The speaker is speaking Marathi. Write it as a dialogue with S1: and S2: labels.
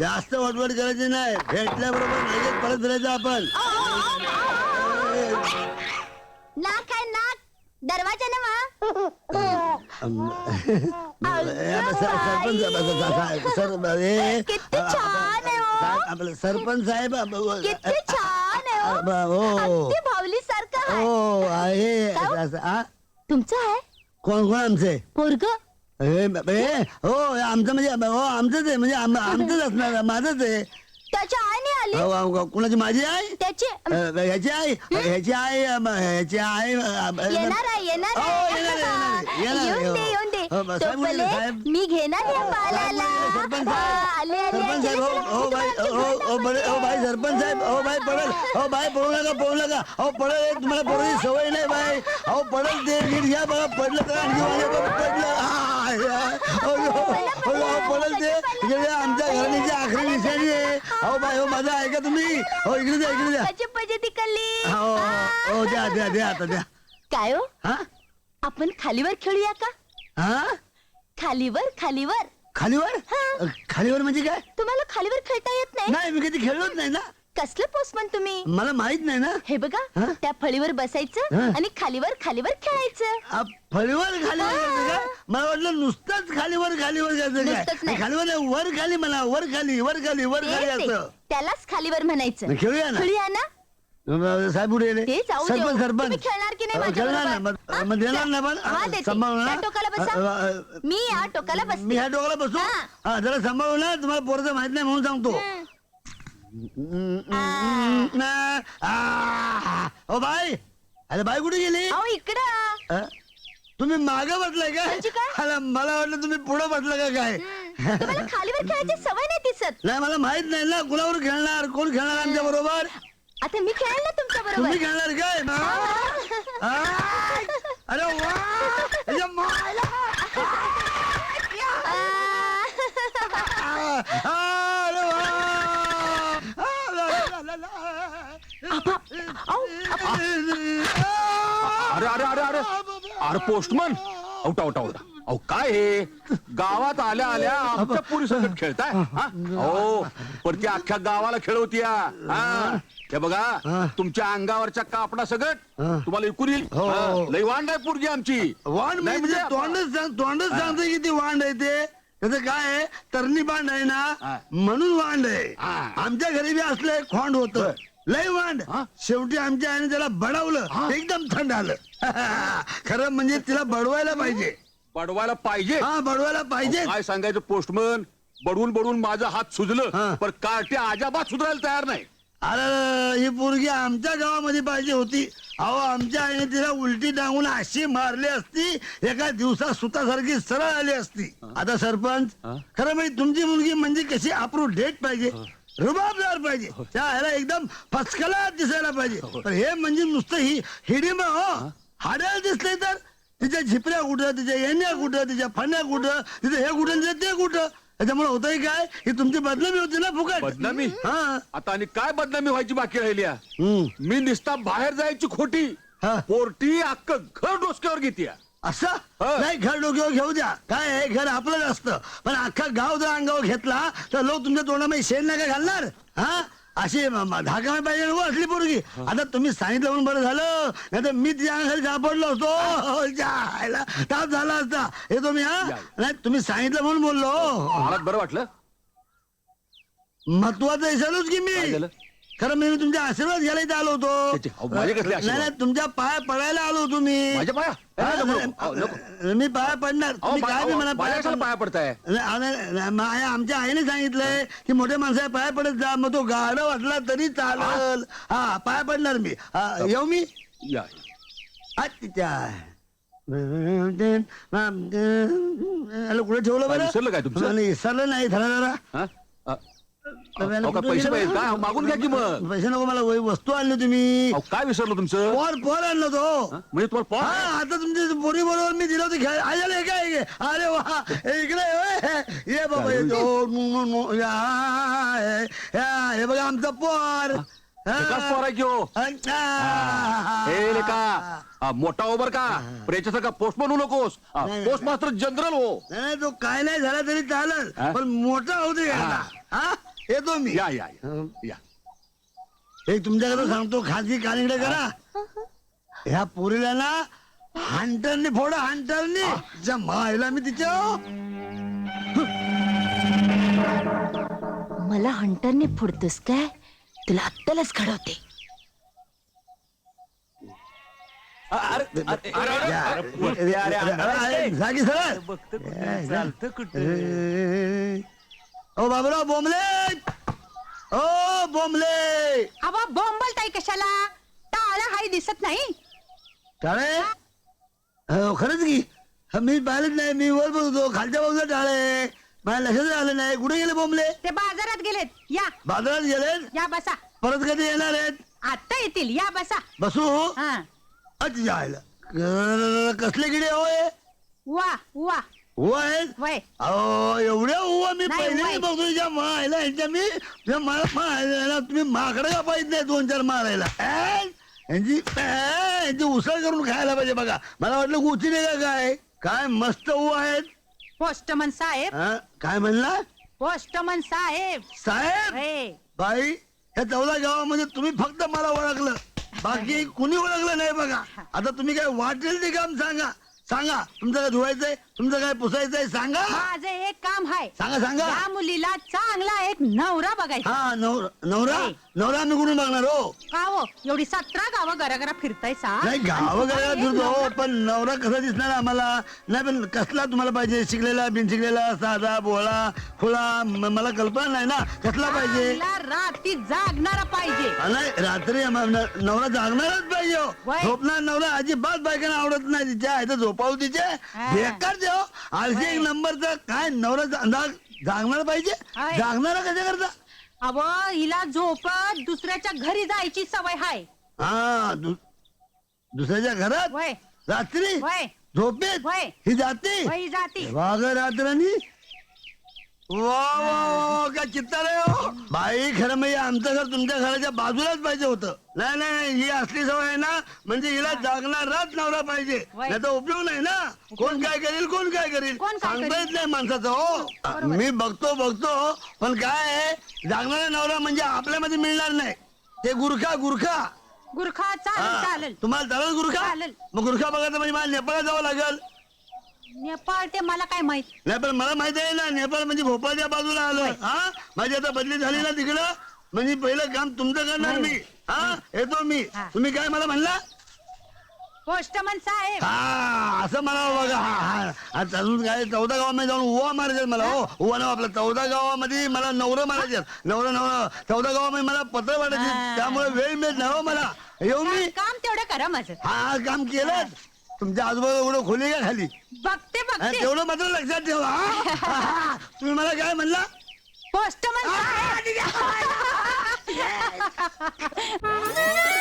S1: जास्त वटवट करायची नाही, भेटल्याबरोबर लगेच परत फिरायचं आपण.
S2: नाक आहे नाक, दरवाजा नवा. किती छान आहे हो.
S1: सरपंच साहेब
S2: किती छान आहे हो.
S1: हो
S2: अगदी भावली सारखं आहे.
S1: हो आहे.
S2: तुमचं आहे
S1: कोण कोण आमचे
S2: पोरग?
S1: हो आमचं म्हणजे हो आमचंच आहे, म्हणजे आमचंच असणार, माझंच आहे.
S2: त्याच्या आईने आली.
S1: कुणाची? माझी आई?
S2: त्याची
S1: ह्याची आई? ह्याची आई? ह्याची आई
S2: येणार आहे येणार
S1: हो,
S2: आहे.
S1: येणार आहे, येणार आहे.
S2: येऊन दे येऊन दे.
S1: हो, साहेब बोलले,
S2: तोपर्यंत
S1: साहेब.
S2: मी घेणार या बाळाला.
S1: सरपंच
S2: हा,
S1: साहेब,
S2: आले आले
S1: सरपंच साहेब, हो भाई, हो भाई सरपंच साहेब, हो भाई पडल, हो भाई पळू नका, हो पडल, तुम्हाला पडण्याची सवय नाही भाई, हो पडल ते नीट घ्या बघा, पडलं तर आणखी पडल ते इकडे आमच्या घराण्याची आखरी निशाणी आहे. हो भाई, हो माझं ऐका तुम्ही, हो इकडे द्या, इकडे द्या.
S2: पजती कल्ली.
S1: हो हो द्या द्या द्या आता द्या.
S2: काय हो,
S1: हा
S2: आपण खालीवर खेळूया का?
S1: हा
S2: खालीवर खालीवर.
S1: खालीवर?
S2: हा.
S1: खालीवर म्हणजे काय?
S2: तुम्हाला खालीवर खेळता येत नाही?
S1: नाही, मी कधी खेळलोच नाही ना.
S2: कसलं पोस्टमन तुम्ही?
S1: मला माहित नाही ना.
S2: हे बघा,
S1: हा?
S2: त्या फळीवर बसायचं
S1: हा?
S2: आणि खालीवर खालीवर खेळायचं.
S1: फळीवर खालीवर करायचं का? मला वाटलं नुसतंच खालीवर खालीवर करायचं
S2: नुसतंच
S1: काय?
S2: नाही.
S1: खालीवर नाही, वर खाली म्हणा, वर खाली वर खाली वर खाली
S2: ते-
S1: असं.
S2: त्यालाच खालीवर म्हणायचं.
S1: मग खेळूया ना.
S2: खेळूया ना.
S1: साहेब उडे
S2: ते जाऊ दे.
S1: सरपंच
S2: तुम्ही खेळणार की नाही
S1: खेळणार ना,
S2: माझ्याबरोबर? हा?
S1: मग देणार ना पण
S2: हा, देते.
S1: सांभाळू
S2: त्या टोकाला बसा.
S1: ना.
S2: मी या टोकाला
S1: मी
S2: बसते.
S1: ह्या डोक्याला बसू.
S2: हा.
S1: हा जरा सांभाळू ना, तुम्हाला पोरचं माहित नाही म्हणून सांगतो. ओ बाई, अरे बाई कुठे गेली?
S2: अहो इकडं.
S1: अ? तुम्ही मागे बसलाय काय?
S2: म्हणजे काय?
S1: अरे, मला वाटलं तुम्ही पुढे बसला का काय?
S2: तुम्हाला खालीवर खेळायची सवय नाही दिसत.
S1: नाही, मला माहित नाही ना कुणावर खेळणार, कोण खेळणार आमच्या बरोबर.
S2: आता मी खेळेल ना तुमच्या
S1: तुम्ही
S2: बरोबर.
S1: खेळणार काय? अरे वा, अरे मायला. अरे वा.
S3: अरे अरे अरे अरे अरे पोस्टमन, औटा औटा औटा. अहो काय हे, गावात आल्या आल्या आमच्या पोरी संकट खेळताय? हो, पण ती अख्ख्या गावाला खेळवतीया. हे बघा, तुमच्या अंगावरच्या कापडा सगळं तुम्हाला विकून येईल. लई वांड आहे पोरगी आमची.
S1: वांड
S3: नाही
S1: म्हणजे
S3: म्हणजे
S1: तोंडच सांगते की ती वांड आहे ते. त्याचं काय आहे, तरणी बांड आहे ना, म्हणून वांड आहे. आमच्या घरी बी असलं एक खोंड होत, लय वांड. शेवटी आमच्या आईने त्याला बडवलं, एकदम थंड आलं. खरं म्हणजे तिला बडवायला पाहिजे.
S3: बडवायला पाहिजे.
S1: हा, बडवायला पाहिजे.
S3: काय सांगायचं पोस्टमन, बडवून बडवून माझा हात सुजलं, पण कार्टे अजाबात सुधारायला तयार नाही.
S1: अरे ही पोरगी आमच्या गावामध्ये पाहिजे होती. अहो, आमच्या आईने तिला उलटी टांगून अशी मारली असती, एका दिवसात सुतासारखी सरळ आली असती. आता सरपंच, खरं म्हणजे तुमची मुलगी म्हणजे कशी अप्रूव डेट पाहिजे, रुबाबदार पाहिजे, त्या ह्याला एकदम फसकला दिसायला पाहिजे. पण हे म्हणजे नुसतं ही हिडीम हो, हाडायला दिसले तर तिच्या झिपऱ्या कुठं, तिच्या येण्या कुठं, तिच्या फण्या कुठं, तिचं हे कुठं ते कुठं. त्याच्यामुळे होतंय काय, ही तुमची बदनामी होती ना फुकट.
S3: बदनामी?
S1: हा.
S3: आता आणि काय बदनामी व्हायची बाकी राहिली?
S1: हम्म.
S3: मी निस्ता बाहेर जायची खोटी,
S1: हा.
S3: पोरटी अख्खं घर डोसक्यावर घेते.
S1: असं
S3: हा.
S1: नाही, घर डोक्यावर घेऊ द्या, काय आहे, घर आपलंच असतं. पण अख्खा गाव जर अंगावर घेतला तर लोक तुमच्या तोंडामध्ये शेण नाही का घालणार? हा, अशी धाका पाहिजे नको असली पोरगी. आता तुम्ही सांगितलं म्हणून बरं झालं, नाही तर मी तिच्या अंगाखाली सापडलो असतो. जायला ताप झाला असता. हे तुम्ही हा नाही, तुम्ही सांगितलं म्हणून बोललो.
S3: मला बरं वाटलं.
S1: महत्वाचं विचारूच की
S3: काय
S1: मी.
S3: झालं?
S1: खरं मी तुमच्या आशीर्वाद घ्यायला इथं आलो
S3: त्याचे, अहो,
S1: होतो.
S3: माझे कसले आशीर्वाद?
S1: नाही, तुमच्या पाया पडायला आलो तुम्ही.
S3: माझ्या पाया? नको, नको, नको.
S1: मी पाया पडणार. तुम्ही काय बी म्हणा,
S3: माझ्या कशाला पाया पडताय?
S1: आमच्या आईने सांगितलंय की मोठ्या माणसा पाया पडत जा, मग तो गाडा वाटला तरी चालल. हा, पाया पडणार मी. येऊ मी.
S3: या.
S1: तिच्या कुठे ठेवलं बरं?
S3: विसरलं काय तुमचं?
S1: विसरलं नाही, धरा जरा.
S3: हा? अहो, काय पैसे पाहिजे का? मागून घ्या की मग.
S1: पैसे नको मला, वस्तू आणली तुम्ही.
S3: अहो, काय विसरलो तुमचं?
S1: पोर आणलं तो.
S3: म्हणजे तुम्हाला पॉ
S1: हा, आता तुमच्या पोरी बरोबर मी दिलं होतं खेळ. आले काय? अरे वा, इकडे ये बाबा, येतो. हे बघा आमचा पोर.
S3: पोर आहे की हो? हे रे का मोठा ओबर का, याच्यासारखा पोस्ट बनवू नकोस. पोस्ट मास्टर जनरल हो.
S1: नाही, तो काय नाही झाला तरी चालेल, पण मोठा होते. हा, येतो मी
S3: या या या. या
S1: एक तुमच्याकडे सांगतो खाजगी कानिकडे करा ह्या पोरीला ना हंटरने फोडा हंटरने तिच्या मायला मी तिच्या
S2: मला हंटरने फोडतोस काय तुला अत्तलच घडवते.
S1: जागी सरळ ओ बाबराव बोंबले ओ बोंबले
S4: अवा बोंबलताय कशाला टाळा हाय दिसत नाही.
S1: टाळे हो खरंच की मी पाहिलंच नाही मी वर बघतो खालच्या बाजूला टाळे माझ्या लक्षात आलं नाही कुठे गेले बोंबले
S4: ते बाजारात गेलेत या
S1: बाजारात गेले
S4: या बसा.
S1: परत कधी येणार आहेत
S4: आता येतील या बसा.
S1: बसू
S4: हा
S1: अच्छा जायला कसले किडे होय
S4: वा वा
S1: हो आहेत
S4: वय
S1: अहो एवढ्या हुवा मी
S4: नाही,
S1: पहिले
S4: वय.
S1: बघतो तुझ्या मायला यांच्या मी तुझ्या मायला तुम्ही माकडं का पाहिजे नाही 2-4 मारायला यांची उसळ करून खायला पाहिजे बघा मला वाटलं गुची नाही का काय मस्त हुवा आहेत
S4: पोस्टमन साहेब
S1: हा? काय म्हणला
S4: पोस्टमन साहेब
S1: साहेब
S4: हे
S1: बाई या 14 गावामध्ये तुम्ही फक्त मला ओळखलं बाकी कुणी ओळखलं नाही बघा आता तुम्ही काय वाटेल ते काम सांगा सांगा तुमचं काय धुवायचंय तुमचं काय पुसायचंय सांगा
S4: माझं एक काम आहे
S1: सांगा सांगा
S4: या मुलीला चांगला एक नवरा बघायचा.
S1: हा नवरा नवरा मी कुठून बघणार हो
S4: का हो एवढी 17 गावं घराघरा फिरतायसा.
S1: नाही गावाकडे फिरतो हो, पण नवरा कसा दिसणार आम्हाला नाही पण कसला तुम्हाला पाहिजे शिकलेला बिनशिकलेला साधा बोळा खुळा मला कल्पना नाही ना कसला पाहिजे
S4: चांगला रात्री जागणारा पाहिजे.
S1: नाही रात्री नवरा जागणारच पाहिजे हो.
S4: वय.
S1: झोपणार नवरा अजिबात बायकांना आवडत नाही तिच्या इथं झोपावू तिचे
S4: हा.
S1: बेकार देव आळशी एक नंबरचा काय नवरा जागणार पाहिजे
S4: होय.
S1: जागणारा कशा करता
S4: अव हिला झोपत दुसऱ्याच्या घरी जायची सवय हाय.
S1: हा दुसऱ्याच्या घरात
S4: वय
S1: रात्री
S4: वय
S1: झोपेत
S4: वय.
S1: ही जाते
S4: वय जाती.
S1: वाघ रात्रनी वा वा काय चित्तार आहे हो बाई खरं म्हणजे आमचं घर तुमच्या घराच्या बाजूलाच पाहिजे होतं नाही नाही ही असली सवय आहे ना म्हणजे हिला जागणाराच नवरा पाहिजे
S4: वय.
S1: नाही तर उपयोग नाही ना कोण काय करेल कोण काय करेल
S4: कोण काय
S1: सांगता
S4: करेल?
S1: येत नाही माणसाचं हो मी बघतो पण काय आहे जागणारा नवरा म्हणजे आपल्यामध्ये मिळणार नाही ते गुरखा
S4: गुरखा चालेल
S1: हा.
S4: चालेल.
S1: तुम्हाला चालेल गुरखा
S4: चालेल.
S1: मग गुरखा बघायचं म्हणजे मला नेपाळला जावं लागेल
S4: नेपाळ ते मला काय माहित.
S1: नाही पण मला माहित आहे ना नेपाळ म्हणजे भोपाळच्या बाजूला आलं हा माझी आता बदली झाली ना तिकडं म्हणजे पहिलं काम तुमचं करणार मी हा येतो मी
S4: हा.
S1: तुम्ही काय मला म्हणला
S4: पोस्टमन साहेब
S1: हा असं मला बघा आता अजून काय 14 गावामध्ये जाऊन उवा मारायचं मला हो उवा नाव आपलं 14 गावामध्ये मला नवरं मारायचे नवरं 14 गावामध्ये मला पत्र वाटायचे
S4: हा.
S1: त्यामुळे वेळ मिळत नाही हो मला येऊ मी
S4: काम तेवढं करा माझं.
S1: हा काम केलं तुमच्या आजूबाजू एवढं खोली का खाली
S4: बघते
S1: हा,
S4: बघते.
S1: तेवढं मात्र लक्षात ठेवा हा? तुम्ही मला काय म्हणला
S4: पोस्टमन साहेब.